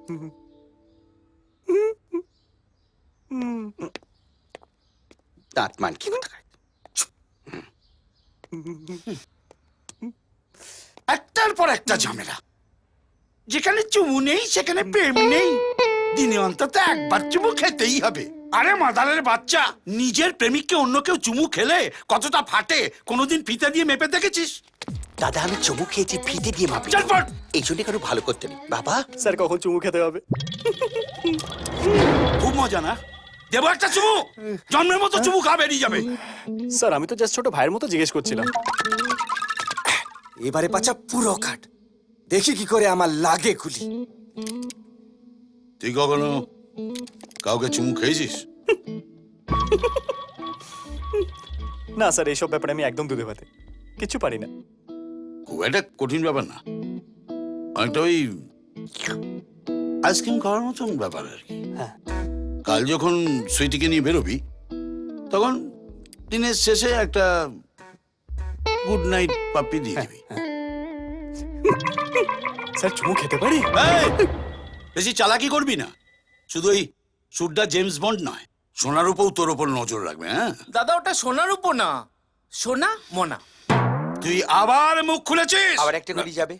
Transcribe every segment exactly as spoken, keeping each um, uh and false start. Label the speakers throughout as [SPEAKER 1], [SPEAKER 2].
[SPEAKER 1] দাঁত মান কি একটার পর একটা ঝামেলা। যেখানে চুমু নেই সেখানে প্রেম নেই। দিনে অন্তত একবার চুমু খেতেই হবে। আরে মাদারের বাচ্চা, নিজের প্রেমিককে অন্য কেউ চুমু খেলে কতটা ফাটে কোনোদিন ফিতে দিয়ে মেপে দেখেছিস?
[SPEAKER 2] দাদা আমি চুমু খেয়েছি ফিতে দিয়ে মাপি।
[SPEAKER 1] চটপট।
[SPEAKER 2] এই জন্য কারো ভালো করতে নেই বাবা।
[SPEAKER 3] স্যার কখন চুমু খেতে হবে?
[SPEAKER 1] খুব মজা না? দেবো একটা চুমু, জন্মের মতো চুমু খা বেরিয়ে যাবে।
[SPEAKER 3] স্যার আমি তো জাস্ট ছোট ভাইয়ের মতো জিজ্ঞেস করছিলাম।
[SPEAKER 2] এবারে পাচা পুরো কাট, দেখি কি করে আমার লাগে গুলি।
[SPEAKER 1] তুই কখনো কাউকে চুমু খেয়েছিস?
[SPEAKER 3] না স্যার, এইসব ব্যাপারে আমি একদম দুধে ভাতে কিছু পারি না।
[SPEAKER 1] খুব একটা কঠিন ব্যাপার না, অনেকটা ওই আইসক্রিম খাওয়ার মতন ব্যাপার আর কি। কাল যখন সুইটিকে নিয়ে বেরোবি তখন দিনের শেষে একটা গুড নাইট পাপ্পি দিয়ে দিবি।
[SPEAKER 3] স্যার চুমু খেতে পারি?
[SPEAKER 1] এই, বেশি চালাকি করবি না। শুধু ওই সুরটা জেমস বন্ড নয়, সোনার উপর তোর ওপর নজর রাখবে। হ্যাঁ
[SPEAKER 4] দাদা, ওটা সোনার উপর না, সোনা মোনা।
[SPEAKER 1] তুই আবার মুখ খুলেছিস।
[SPEAKER 2] আবার একটা গুলি যাবে।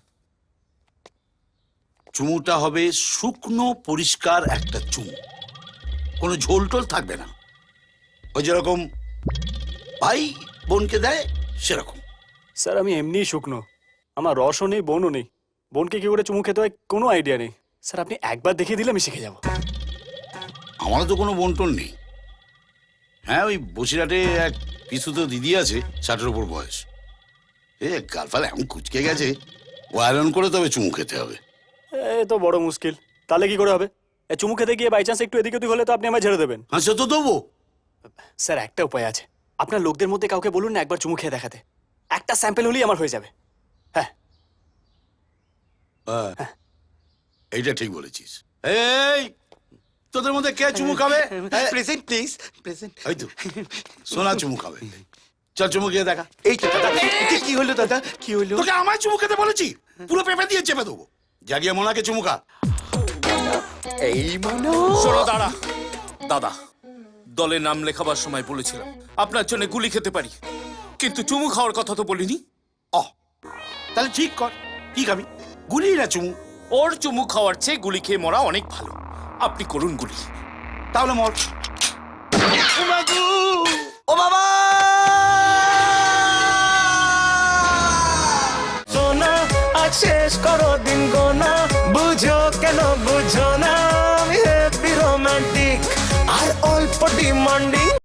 [SPEAKER 1] চুমুটা হবে শুকনো পরিষ্কার একটা চুমু, কোনো ঝোল টোল থাকবে না। ওই যেরকম ভাই বোনকে দেয় সেরকম।
[SPEAKER 3] স্যার আমি এমনিই শুকনো, আমার রসও নেই বোনও নেই। বোনকে কি করে চুমু খেতে হয় কোনো আইডিয়া নেই। স্যার আপনি একবার দেখিয়ে দিলে আমি শিখে যাব।
[SPEAKER 1] আমারও তো কোনো বন্টন নেই। হ্যাঁ, ওই বসিরহাটে এক পিছু তো দিদি আছে, ষাটের ওপর বয়স। এ গালফাল এমন কুচকে গেছে, ও আয়রন করে তবে চুমু খেতে হবে।
[SPEAKER 3] এ তো বড় মুশকিল। তাহলে কি করে হবে? এ চুমু খেতে গিয়ে বাই চান্স একটু এদিক ওদিক হলে তো আপনি আমায় ঝেড়ে দেবেন।
[SPEAKER 1] হ্যাঁ সে তো দেবো।
[SPEAKER 3] স্যার একটা উপায় আছে, আপনার লোকদের মধ্যে কাউকে বলুন না একবার চুমু খেয়ে দেখাতে। একটা স্যাম্পল হলেই আমার হয়ে যাবে। হ্যাঁ
[SPEAKER 1] হ্যাঁ, এইটা ঠিক বলেছিস। এই তোদের মধ্যে কে চুমু খাবে?
[SPEAKER 2] Present please, present.
[SPEAKER 1] এই তো সোনা চুমু খাবে। চল চুমু খেয়ে দেখা।
[SPEAKER 2] এই তো দাদা, কি হলো দাদা, কি হলো?
[SPEAKER 1] তোকে আমায় চুমু খেতে বলেছি? পুরো পেঁপে দিয়ে চেপে দেবো। জাগিয়ে মোনাকে চুমু খা।
[SPEAKER 2] এই মনো
[SPEAKER 4] শোনো দাঁড়া, দাদা দলে নাম লেখাবার সময় বলেছিলাম আপনার জন্য গুলি খেতে পারি, কিন্তু চুমু খাওয়ার কথা তো বলিনি।
[SPEAKER 1] অ তাহলে ঠিক কর, কি খাবি? গুলি না চুমু?
[SPEAKER 4] ওর চুমু খাওয়ার চেয়ে গুলি খেয়ে মরা অনেক ভালো। আপনি করুন গুলি।
[SPEAKER 1] তাহলে মর।
[SPEAKER 2] ও বাবা!
[SPEAKER 5] সোনা আজ শেষ করো দিন গোনা, বুঝো কেন বুঝো না, আমি হ্যাপি রোমান্টিক আর অল্প ডিমান্ডিং।